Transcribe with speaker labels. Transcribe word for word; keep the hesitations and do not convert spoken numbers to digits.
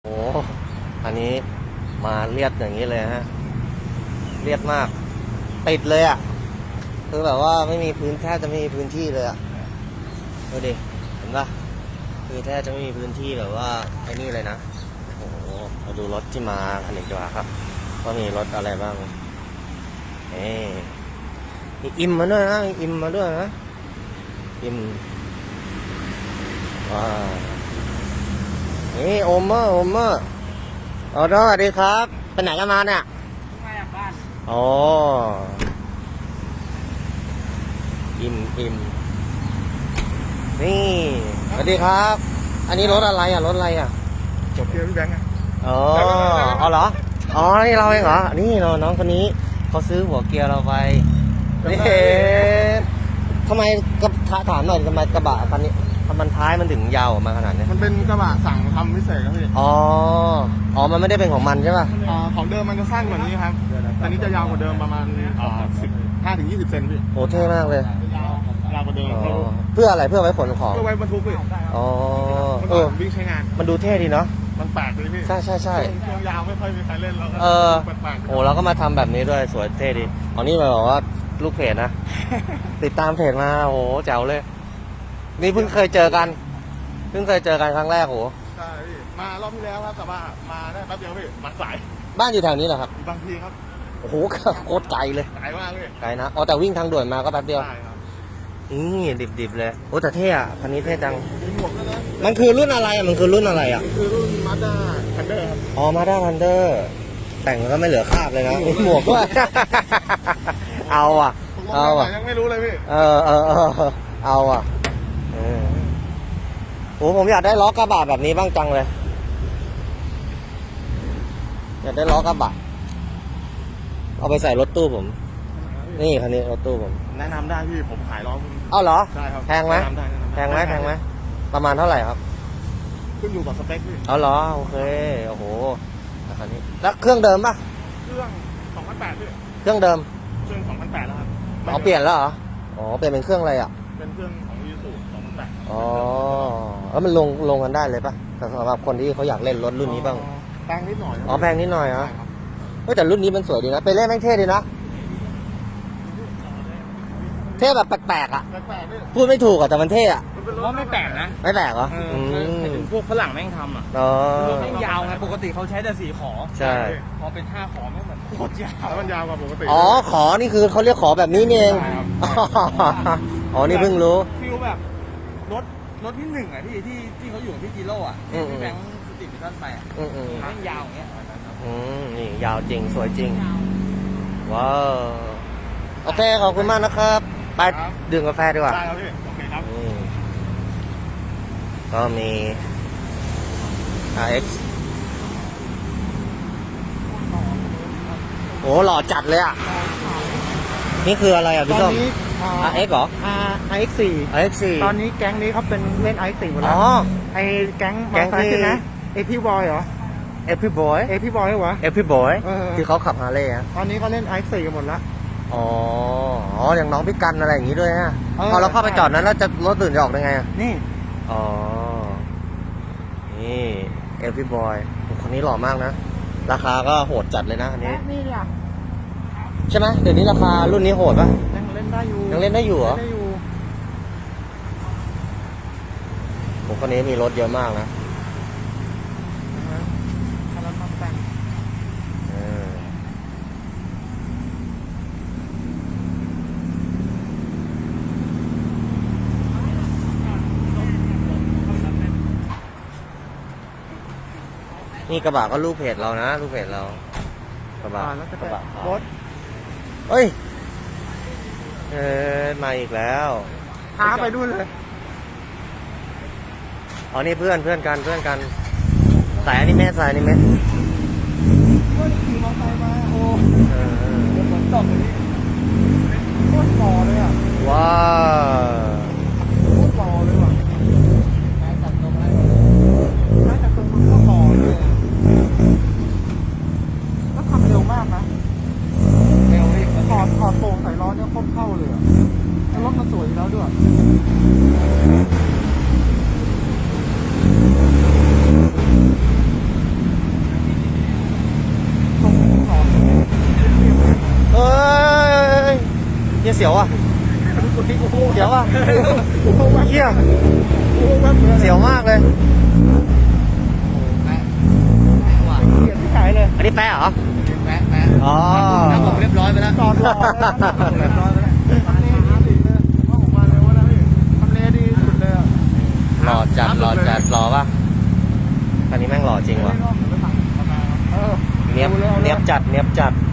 Speaker 1: โอ้อันนี้มาเรียดอย่างนี้เลยฮะเรียดมากติดเลยอ่ะคือแบบว่าไม่มีพื้นแทบจะไม่มีพื้นที่เลยอ่ะดูดิเห็นปะคือแทบจะไม่มีพื้นที่แบบว่าไอ้นี่เลยนะโอ้โหมาดูรถที่มาคันนี้ดีกว่าครับว่ามีรถอะไรบ้างเอ๊มีอิมมาด้วยนะมีอิมมาด้วยนะอิมว้านี่โอมเมอร์โอมเมอร์อ๋อสวัสดีครับไปไหนกันมาเนี่ย
Speaker 2: มาจากบ้าน
Speaker 1: อ๋ออิมอิมนี่สวัสดีครับ อันนี้รถอะไรอ่ะรถอะไรอ่ะ
Speaker 2: จบเกียร์พี่แบงค์
Speaker 1: อ๋อเอาเหรออ๋อนี่เราเองเหรอนี่เราน้องคนนี้เขาซื้อหัวเกียร์เราไปนี่ทำไมกับถามหน่อยทำไมกระบะคันนี้มันท้ายมันถึงยาวออกมาขนาดนี้
Speaker 2: มันเป็นกระบะสั่งทำพิเศษครับพี่
Speaker 1: อ๋ออ๋อมันไม่ได้เป็นของมันใช่ป่ะ
Speaker 2: อ่าของเดิมมันจะสั้นกว่านี้ครับแต่นี้จะยาวกว่าเดิมประมาณอ่าสิบห้าถึงยี่สิบเซนพี่
Speaker 1: โอ้เท่มากเลย
Speaker 2: ยาวยาวกว่าเดิม
Speaker 1: เพื่ออะไรเพื่อไว้ขนของ
Speaker 2: เพื่อไว้บรรทุกพี่
Speaker 1: อ๋อ
Speaker 2: เออวิ่งใช้งาน
Speaker 1: มันดูเท่ดีเนาะ
Speaker 2: มันแปลกเลยพี่
Speaker 1: ใช่ใช่ใช่
Speaker 2: ช่วงยาวไม่ค่อยมีใครเล่นแล้วก็
Speaker 1: เออโอ้เราก็มาทำแบบนี้ด้วยสวยเท่ดีอ๋อนี่มาบอกว่าลูกเพจนะ ติดตามเพจมาโอ้แจ๋วเลยนี่เพิ่งเคยเจอกันเพิ่งเคยเจอกันครั้งแรกโอ้
Speaker 2: ใช่พี่มารอบที่แล้วครับแต่ว่ามาได้แป๊บเดียวพี่มาสาย
Speaker 1: บ้านอยู่แถวนี้เหรอครับ
Speaker 2: บางทีครับ
Speaker 1: โอ้โหโคตรไกลเลย
Speaker 2: ไกลมากเลย
Speaker 1: ไกลนะอ๋อแต่วิ่งทางด่วนมาก็แป๊บเดียว
Speaker 2: ใช่ครับ
Speaker 1: นี่ดิบๆเลยโอ้แต่เท่อะคันนี้เท่จัง
Speaker 2: มีหมวกด้วยนะ
Speaker 1: มันคือรุ่นอะไรอะมันคือรุ่นอะไรอะ
Speaker 2: คือรุ่นมาด้าทันเดอร์ครับ
Speaker 1: อ๋อมาด้าทันเดอร์แต่งก็ไม่เหลือคราบเลยนะมีหมวกด้วย เอาอ่ะเอาอ่ะ
Speaker 2: ยังไม่รู้เลยพี่
Speaker 1: เออเออเออเอาอ่ะเออโอ้ผมอยากได้ล้อกระบะแบบนี้บ้างจังเลยอยากได้ล้อกระบะเอาไปใส่รถตู้ผมนี่คันนี้รถตู้ผม
Speaker 2: แนะนำได้พี่ผมขายล้อคุณ
Speaker 1: อ้าวเหรอ
Speaker 2: ใช่ครับ
Speaker 1: แพงไหมแพงไหมแพงไหมประมาณเท่าไหร่ครับ
Speaker 2: ขึ้นอยู่กับสเปคพี่
Speaker 1: เอาเหรอโอเคโอ้โหคันนี้แล้วเครื่องเดิมป่ะ
Speaker 2: เครื่องสองพันแปดพี่
Speaker 1: เครื่องเดิม
Speaker 2: เครื่องสองพันแปดแล้วครับ
Speaker 1: อ๋อเปลี่ยนแล้วเหรออ๋อเปลี่ยนเป็นเครื่องอะไรอ่ะ
Speaker 2: เป็นเครื่องของยูซูสองพันแปด
Speaker 1: อ๋อแล้วมันลงลงกันได้เลยป่ะสำหรับคนที่เขาอยากเล่นรถรุ่นนี้บ้าง
Speaker 2: แพงนิดหน่อย
Speaker 1: อ๋อแพงนิดหน่อยเหรอเฮ้ยแต่รุ่นนี้มันสวยดีนะไปเล่นแม่งเท่ดีนะเท่แบบแปลกๆอ่ะพูดไม่ถูกอ่ะแต่มันเท่อ่ะ
Speaker 2: ว่าไม่แปลกนะ
Speaker 1: ไม่แปลกเหรอ
Speaker 2: พวกฝรั่งแม่งทำอ่ะรถแม่งยาวไงปกติเขาใช้แต่สี่ขอ
Speaker 1: ใช่
Speaker 2: พอเป็นห้าขอไม่เหมือนโคตรยาวแล้วมันยาวกว่าปกติ
Speaker 1: อ๋อขอนี่คือเขาเรียกขอแบบนี้นี่เองอ๋อนี่เพิ่งรู้
Speaker 2: ฟิลแบบรถรถที่หนึ่งอ่ะที่ที่ที่เขาอยู่ที่จิโร่อ่ะที่แบงค์สติมิทันไปอ่ะแม่งยาวอย่างเงี้ย
Speaker 1: อืมนี่ยาวจริงสวยจริงว้าวโอเคขอบคุณมากนะครับไปดื่มกาแฟดีกว่า
Speaker 2: ได้ครับพี่โอเคครับ
Speaker 1: ก็มี อาร์ เอ็กซ์ โอ้หล่อจัดเลยอ่ะนี่คืออะไรอ่ะพี่ส้ม อาร์ เอ็กซ์ เหรอ
Speaker 2: อาร์ เอ็กซ์ สี่
Speaker 1: อาร์ เอ็กซ์ สี่
Speaker 2: ตอนนี้แก๊งนี้เขาเป็นเล่น อาร์ เอ็กซ์ สี่หมดแล้วไอ้แก๊งแก๊งที่นะเอพี่บอยเหรอ
Speaker 1: เอพี่บอย
Speaker 2: เอพี่บอยวะ
Speaker 1: เอพี่บอยที่เขาขับฮาร์เลย์อ่ะ
Speaker 2: ตอนนี้เขาเล่น อาร์ เอ็กซ์ สี่กันหมดแล้ว
Speaker 1: อ๋ออ๋ออย่างน้องพี่กันอะไรอย่างงี้ด้วยฮะพอเราเข้าไปจอดนั้นแล้วจะรถตื่นจะออกได้ไงอ่ะ
Speaker 2: นี่
Speaker 1: อ๋อนี่เอฟวี่บอยคนนี้หล่อมากนะราคาก็โหดจัดเลยนะอันนี้
Speaker 2: นี่อ่ะ
Speaker 1: ใช่ไหมเดี๋ยวนี้ราคารุ่นนี้โหดป่ะ
Speaker 2: ยังเล่นได้อยู่
Speaker 1: ยังเล่นได้อยู่เหรอผมคนนี้มีรถเยอะมากนะนี่กระบะก็ลูกเพจเรานะลูกเพจเรากระบะ
Speaker 2: กระบะรถ
Speaker 1: เฮ้ยเออมาอีกแล้ว
Speaker 2: พาไปด้วยเลย
Speaker 1: อ๋อนี่เพื่อนเพื่อนกันเพื่อนกันสายอนิเมะสายอนิเมะ
Speaker 2: เพื่อนขี่มอเตอร์ไซค์มาโอ้ฝนตกเลยโคตรหล่อเลยอ่ะ
Speaker 1: ว้า
Speaker 2: โคตรหล่อเลยว่ะใช้จับตรงอะไรใช้จับตรงมันก็หล่อเลยแล้วทำเร็วมากนะเร็วเลยถอดถอดโป่งใส่ล้อเนี่ยโคตรเข้าเลยอ่ะแล้วรถมันสวยแล้วด้วย
Speaker 1: เสียวอ่ะ
Speaker 2: คนนี้กูโค
Speaker 1: เสียวอ่ะ
Speaker 2: กูโคแวบ
Speaker 1: เชี่ย
Speaker 2: กูโคแวบเลย
Speaker 1: เสียวมากเลย
Speaker 3: แปะแปะว่ะ
Speaker 2: เกลียดที่ขายเลย
Speaker 1: อันนี้แปะเหรอ
Speaker 3: แปะแปะ
Speaker 1: อ๋อ
Speaker 3: ถ้าผมเรียบร้อยไปแล้ว
Speaker 2: จอดรอเลยนะจอดเรียบร้อยไปแล้วทำเลดีสุดเลยว่าผมมาเร็วนะพี่ทำเลดีสุดเลยอ่ะ
Speaker 1: หล่อจัดหล่อจัดหล่อป่ะคันนี้แม่งหล่อจริงว่ะ
Speaker 2: เออ
Speaker 1: เนียบเนียบจัดเนียบจัด